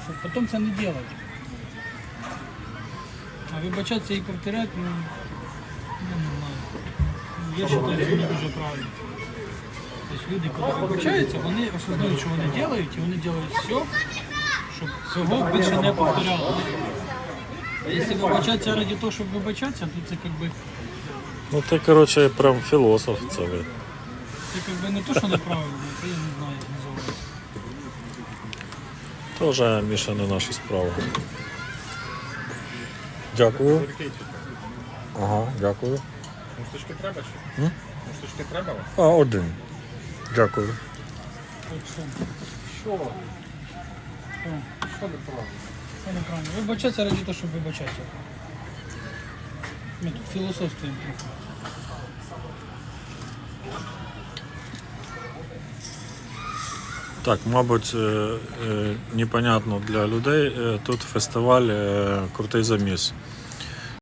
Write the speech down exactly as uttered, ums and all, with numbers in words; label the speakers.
Speaker 1: щоб потім це не робити. А вибачатися і повторяти, ну, ну не знаю. Я вважаю, це не дуже правильно. Тобто люди, коли вибачаються, вони осознають, що вони роблять, і вони роблять все, щоб цього більше не повторялося. А якщо вибачатися ради того, щоб вибачатися, то це якби,
Speaker 2: Ну ти, коротше, прям філософ це ви.
Speaker 1: це якби не то, що неправильно, це я не знаю, як називається.
Speaker 2: Тоже, Міша, не наша справа. Дякую. Ага, дякую.
Speaker 3: Мусточки треба ще?
Speaker 2: М?
Speaker 3: Мусточки треба?
Speaker 2: А, один. Дякую.
Speaker 1: От що?
Speaker 3: Що?
Speaker 1: Що?
Speaker 3: Що неправильно?
Speaker 1: Це неправильно. Вибачатися ради того, щоб вибачатися. Ми тут філософствуємо трохи.
Speaker 2: Так, мабуть, е, е, непонятно для людей. Е, Тут фестиваль е, «Крутий заміс».